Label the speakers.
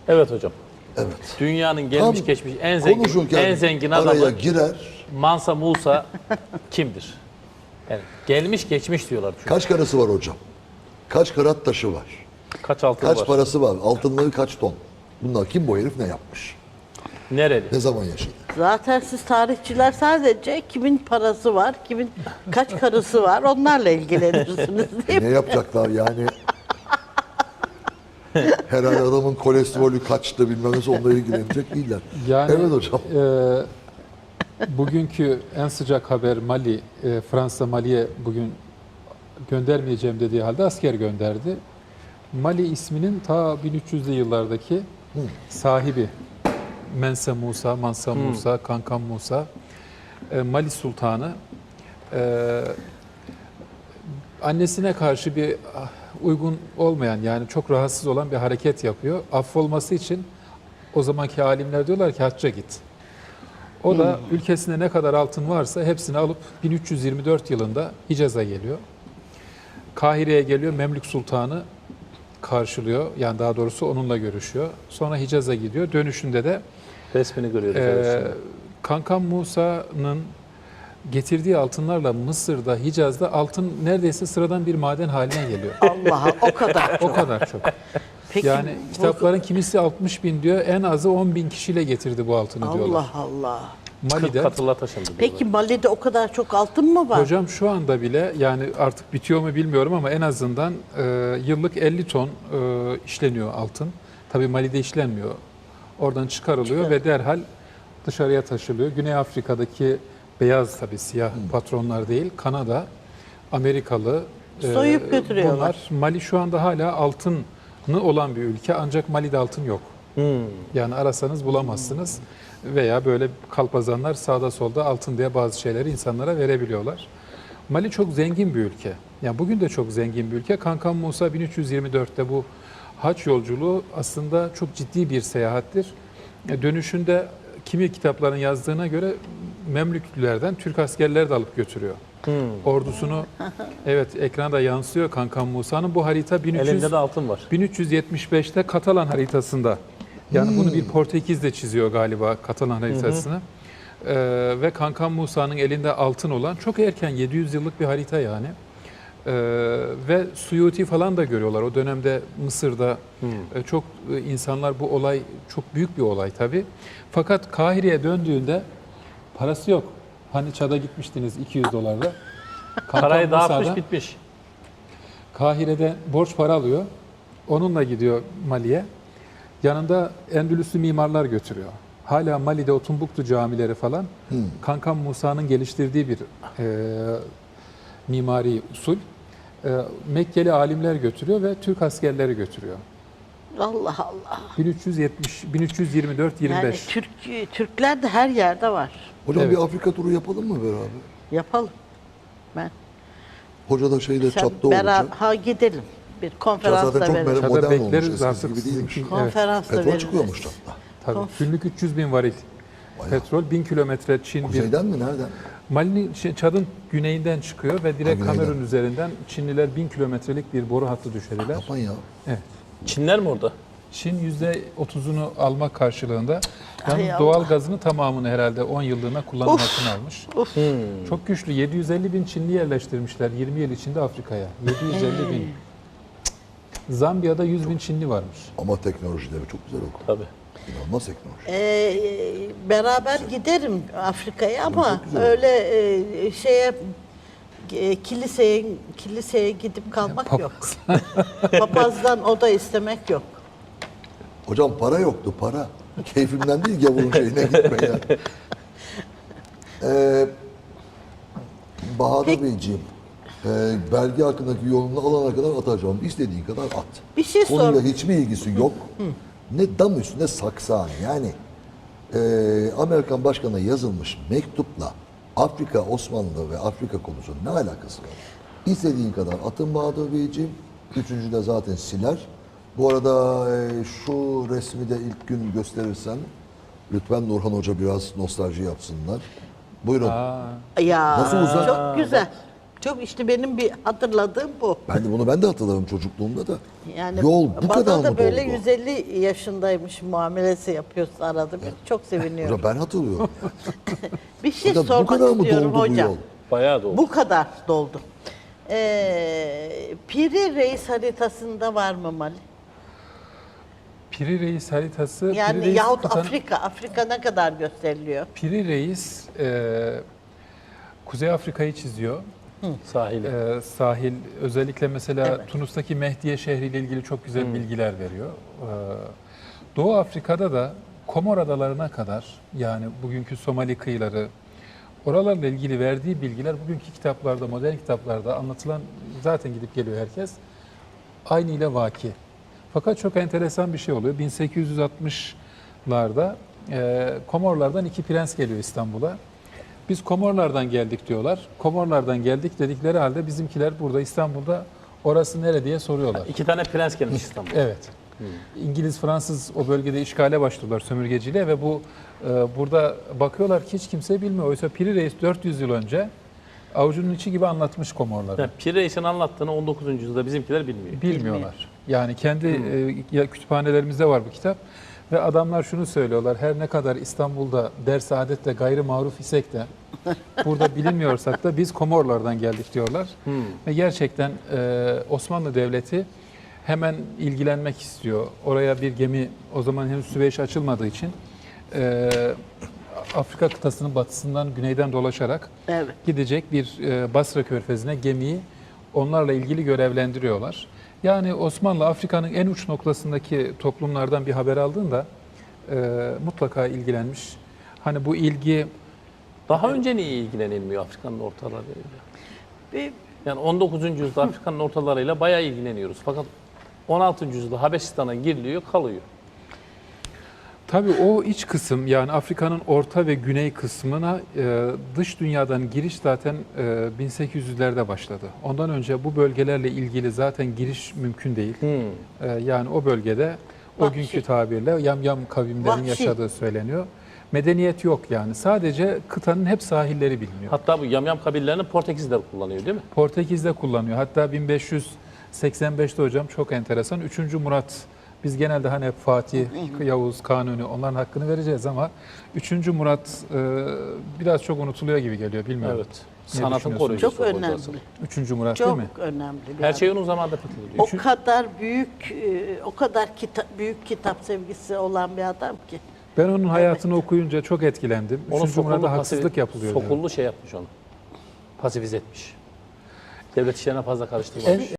Speaker 1: Evet hocam.
Speaker 2: Evet.
Speaker 1: Dünyanın gelmiş
Speaker 2: Tam
Speaker 1: geçmiş
Speaker 2: konuşurken
Speaker 1: en zengin
Speaker 2: araya
Speaker 1: adamı
Speaker 2: girer.
Speaker 1: Mansa Musa kimdir? Yani gelmiş geçmiş diyorlar çünkü.
Speaker 2: Kaç karısı var hocam? Kaç karat taşı var?
Speaker 1: Kaç altın
Speaker 2: Kaç
Speaker 1: var?
Speaker 2: parası var? Altınları kaç ton? Bunlar kim, bu herif ne yapmış?
Speaker 1: Nereli?
Speaker 2: Ne zaman yaşadı?
Speaker 3: Zaten siz tarihçiler sadece kimin parası var, kimin kaç karısı var onlarla ilgilenirsiniz değil mi?
Speaker 2: Ne yapacaklar yani? Herhalde adamın kolesterolü kaçtı bilmem nesi, onunla ilgilenecek değiller.
Speaker 4: Yani,
Speaker 2: Evet hocam.
Speaker 4: Bugünkü en sıcak haber Mali, Fransa Mali'ye bugün göndermeyeceğim dediği halde asker gönderdi. Mali isminin ta 1300'lü yıllardaki sahibi Mansa Musa, Kankan Musa, Mali Sultanı annesine karşı bir uygun olmayan, yani çok rahatsız olan bir hareket yapıyor. Affolması için o zamanki alimler diyorlar ki hacca git. O da ülkesinde ne kadar altın varsa hepsini alıp 1324 yılında Hicaz'a geliyor. Kahire'ye geliyor, Memlük Sultanı karşılıyor. Yani daha doğrusu onunla görüşüyor. Sonra Hicaz'a gidiyor. Dönüşünde de
Speaker 1: Resmini görüyoruz. Evet şimdi.
Speaker 4: Kankan Musa'nın getirdiği altınlarla Mısır'da, Hicaz'da altın neredeyse sıradan bir maden haline geliyor.
Speaker 3: Allah'a o kadar.
Speaker 4: O kadar çok.
Speaker 3: Peki,
Speaker 4: Yani kitapların kimisi 60 bin diyor, en azı 10 bin kişiyle getirdi bu altını diyorlar.
Speaker 3: Allah Allah.
Speaker 1: 40
Speaker 4: Mali'de.
Speaker 1: katırla taşındı.
Speaker 3: Peki Mali'de o kadar çok altın mı var?
Speaker 4: Hocam şu anda bile, yani artık bitiyor mu bilmiyorum ama en azından yıllık 50 ton işleniyor altın. Tabii Mali'de işlenmiyor. Oradan çıkarılıyor ve derhal dışarıya taşılıyor. Güney Afrika'daki beyaz, tabii siyah patronlar değil, Kanada, Amerikalı
Speaker 3: Soyup götürüyorlar.
Speaker 4: bunlar. Mali şu anda hala altını olan bir ülke, ancak Mali'de altın yok. Yani arasanız bulamazsınız. Veya böyle kalpazanlar sağda solda altın diye bazı şeyleri insanlara verebiliyorlar. Mali çok zengin bir ülke. Yani bugün de çok zengin bir ülke. Kankan Musa 1324'te bu haç yolculuğu aslında çok ciddi bir seyahattir. Dönüşünde kimi kitapların yazdığına göre Memlüklülerden Türk askerleri de alıp götürüyor. Ordusunu, evet, ekranda yansıyor Kankan Musa'nın bu harita
Speaker 1: Elinde de altın var.
Speaker 4: 1375'te Katalan haritasında. Yani bunu bir Portekiz de çiziyor galiba, Katalan haritasını. Ve Kankan Musa'nın elinde altın olan çok erken, 700 yıllık bir harita yani. Ve Suyuti falan da görüyorlar. O dönemde Mısır'da çok insanlar, bu olay çok büyük bir olay tabii. Fakat Kahire'ye döndüğünde parası yok. Hani Çad'a gitmiştiniz 200 dolarla.
Speaker 1: Parayı dağıtmış
Speaker 4: Musa'da
Speaker 1: bitmiş.
Speaker 4: Kahire'de borç para alıyor. Onunla gidiyor Mali'ye. Yanında Endülüslü mimarlar götürüyor. Hala Mali'de o Tumbuktu camileri falan Kankan Musa'nın geliştirdiği bir mimari usul. Mekkeli alimler götürüyor ve Türk askerleri götürüyor.
Speaker 3: Allah Allah.
Speaker 4: 1324-25.
Speaker 3: Yani Türkler de her yerde var.
Speaker 2: Hocam
Speaker 4: Evet.
Speaker 2: bir Afrika turu yapalım mı beraber?
Speaker 3: Yapalım. Ben.
Speaker 2: Hoca da şeyde
Speaker 3: Sen
Speaker 2: çatta olacak.
Speaker 3: ha gidelim. Bir
Speaker 2: Çat
Speaker 3: konferans
Speaker 2: zaten
Speaker 3: da
Speaker 2: çok
Speaker 3: verelim.
Speaker 4: Çad'a
Speaker 2: modern olmuş,
Speaker 4: bekleriz
Speaker 2: eskisi
Speaker 4: artık
Speaker 2: gibi değilmiş.
Speaker 4: sizinki. Evet,
Speaker 3: Konferans da
Speaker 2: Petrol
Speaker 3: veririz.
Speaker 2: çıkıyormuş çatta.
Speaker 4: tabii.
Speaker 3: Of.
Speaker 4: Günlük 300 bin varil petrol, 1000 kilometre Çin bir.
Speaker 2: Kuzeyden mi? Nereden?
Speaker 4: Mali'nin, Çad'ın güneyinden çıkıyor ve direkt
Speaker 2: güneyden.
Speaker 4: Kamerun üzerinden Çinliler 1000 kilometrelik bir boru hattı düşeriler.
Speaker 2: Yapan ya.
Speaker 4: Evet.
Speaker 1: Çinler mi orada?
Speaker 4: Çin %30'unu almak karşılığında
Speaker 3: Ay
Speaker 4: yalnız
Speaker 3: Allah.
Speaker 4: doğal gazını tamamını herhalde 10 yıllığına kullanım
Speaker 3: Of.
Speaker 4: hakkını almış.
Speaker 3: Of.
Speaker 4: Çok güçlü. 750 bin Çinli yerleştirmişler 20 yıl içinde Afrika'ya. 750 bin. Zambiya'da 100 bin Çinli varmış.
Speaker 2: Ama teknolojileri çok güzel okul.
Speaker 1: Tabii.
Speaker 2: İnanılmaz teknoloji.
Speaker 3: Beraber giderim Afrika'ya ama
Speaker 2: güzel.
Speaker 3: öyle şeye kiliseye gidip kalmak yok. Papazdan o da istemek yok.
Speaker 2: Hocam para yoktu, para. Keyfimden değil, gavurun şeyine gitme yani. Bahadır Beyciğim, belge hakkındaki yolunu alana kadar atacağım. İstediğin kadar at.
Speaker 3: Bir şey
Speaker 2: Konuyla
Speaker 3: sor.
Speaker 2: hiçbir ilgisi yok. Ne dam üstünde saksan. Yani Amerikan başkanına yazılmış mektupla Afrika, Osmanlı ve Afrika konusu ne alakası var? İstediğin kadar atın Bahadır Beyciğim. Üçüncü de zaten siler. Bu arada şu resmi de ilk gün gösterirsen lütfen Nurhan Hoca biraz nostalji yapsınlar. Buyurun.
Speaker 3: Ya
Speaker 2: Nasıl uzak?
Speaker 3: çok güzel. Çok işte benim bir hatırladığım bu.
Speaker 2: Ben de hatırlarım çocukluğumda da.
Speaker 3: Yani
Speaker 2: Yol bu kadar
Speaker 3: bana
Speaker 2: mı
Speaker 3: da böyle
Speaker 2: doldu?
Speaker 3: 150 yaşındaymış muamelesi yapıyorsa arada bir çok seviniyorum.
Speaker 2: Ben hatırlıyorum.
Speaker 3: Bir şey
Speaker 2: Hocam, bu
Speaker 3: sormak
Speaker 2: kadar mı
Speaker 3: istiyorum
Speaker 2: doldu bu
Speaker 3: hocam.
Speaker 2: yol?
Speaker 1: Bayağı da oldu.
Speaker 3: Bu kadar doldu. Piri Reis haritasında var mı Mali?
Speaker 4: Piri Reis haritası,
Speaker 3: Yani
Speaker 4: Piri Reis
Speaker 3: yahut
Speaker 4: kıtanın-
Speaker 3: Afrika ne kadar gösteriliyor?
Speaker 4: Piri Reis Kuzey Afrika'yı çiziyor.
Speaker 1: Sahili.
Speaker 4: Sahil, özellikle mesela
Speaker 3: Evet.
Speaker 4: Tunus'taki Mehdiye şehriyle ilgili çok güzel bilgiler veriyor. Doğu Afrika'da da Komor Adalarına kadar, yani bugünkü Somali kıyıları, oralarla ilgili verdiği bilgiler bugünkü kitaplarda, modern kitaplarda anlatılan, zaten gidip geliyor herkes, aynı ile vaki. Fakat çok enteresan bir şey oluyor. 1860'larda Komorlardan 2 prens geliyor İstanbul'a. Biz Komorlardan geldik diyorlar. Komorlardan geldik dedikleri halde bizimkiler burada İstanbul'da orası nere diye soruyorlar.
Speaker 1: 2 tane prens gelmiş İstanbul'a.
Speaker 4: Evet. İngiliz, Fransız o bölgede işgale başlıyorlar sömürgeciyle ve bu burada bakıyorlar ki hiç kimse bilmiyor. Oysa Piri Reis 400 yıl önce avucunun içi gibi anlatmış Komorları.
Speaker 1: Yani Piri Reis'in anlattığını 19. yüzyılda bizimkiler bilmiyor.
Speaker 4: Bilmiyorlar. Yani kendi kütüphanelerimizde var bu kitap. Ve adamlar şunu söylüyorlar: her ne kadar İstanbul'da ders adetle gayri maruf isek de burada bilinmiyorsak da biz Komorlardan geldik diyorlar. Ve gerçekten Osmanlı Devleti hemen ilgilenmek istiyor. Oraya bir gemi, o zaman henüz Süveyş açılmadığı için Afrika kıtasının batısından güneyden dolaşarak
Speaker 3: Evet.
Speaker 4: gidecek bir Basra Körfezi'ne gemiyi onlarla ilgili görevlendiriyorlar. Yani Osmanlı Afrika'nın en uç noktasındaki toplumlardan bir haber aldığında mutlaka ilgilenmiş. Hani bu ilgi
Speaker 1: Daha önce niye ilgilenilmiyor Afrika'nın ortalarıyla?
Speaker 3: Bir,
Speaker 1: Yani 19. yüzyılda Afrika'nın ortalarıyla bayağı ilgileniyoruz. Fakat 16. yüzyılda Habeşistan'a giriliyor, kalıyor.
Speaker 4: tabii o iç kısım, yani Afrika'nın orta ve güney kısmına dış dünyadan giriş zaten 1800'lerde başladı. Ondan önce bu bölgelerle ilgili zaten giriş mümkün değil. Yani o bölgede o
Speaker 3: Vahşi.
Speaker 4: günkü tabirle yamyam kavimlerin
Speaker 3: Vahşi.
Speaker 4: yaşadığı söyleniyor. Medeniyet yok yani. Sadece kıtanın hep sahilleri biliniyor.
Speaker 1: Hatta bu yamyam kabillerini Portekizliler kullanıyor değil mi?
Speaker 4: Portekiz'de kullanıyor. Hatta 1585'te hocam çok enteresan. 3. Murat, biz genelde hani hep Fatih, Yavuz, Kanuni onların hakkını vereceğiz ama 3. Murat biraz çok unutuluyor gibi geliyor, bilmiyorum.
Speaker 1: Evet.
Speaker 4: Ne
Speaker 1: Sanatın
Speaker 4: düşünüyorsunuz?
Speaker 1: koruyucusu.
Speaker 3: çok önemli.
Speaker 1: hocası.
Speaker 4: 3. Murat değil
Speaker 3: Çok
Speaker 4: mi?
Speaker 3: önemli. bir
Speaker 1: Her
Speaker 3: adam.
Speaker 1: şey onun zamanında fethediliyor.
Speaker 3: O kadar büyük, o kadar büyük kitap sevgisi olan bir adam ki.
Speaker 4: Ben onun hayatını okuyunca çok etkilendim.
Speaker 1: Onu
Speaker 4: 3. Murat'a
Speaker 1: sokullu,
Speaker 4: haksızlık yapılıyor. diyorum.
Speaker 1: sokullu şey yapmış onu. Pasifize etmiş. Devlet işlerine fazla karıştırmamış.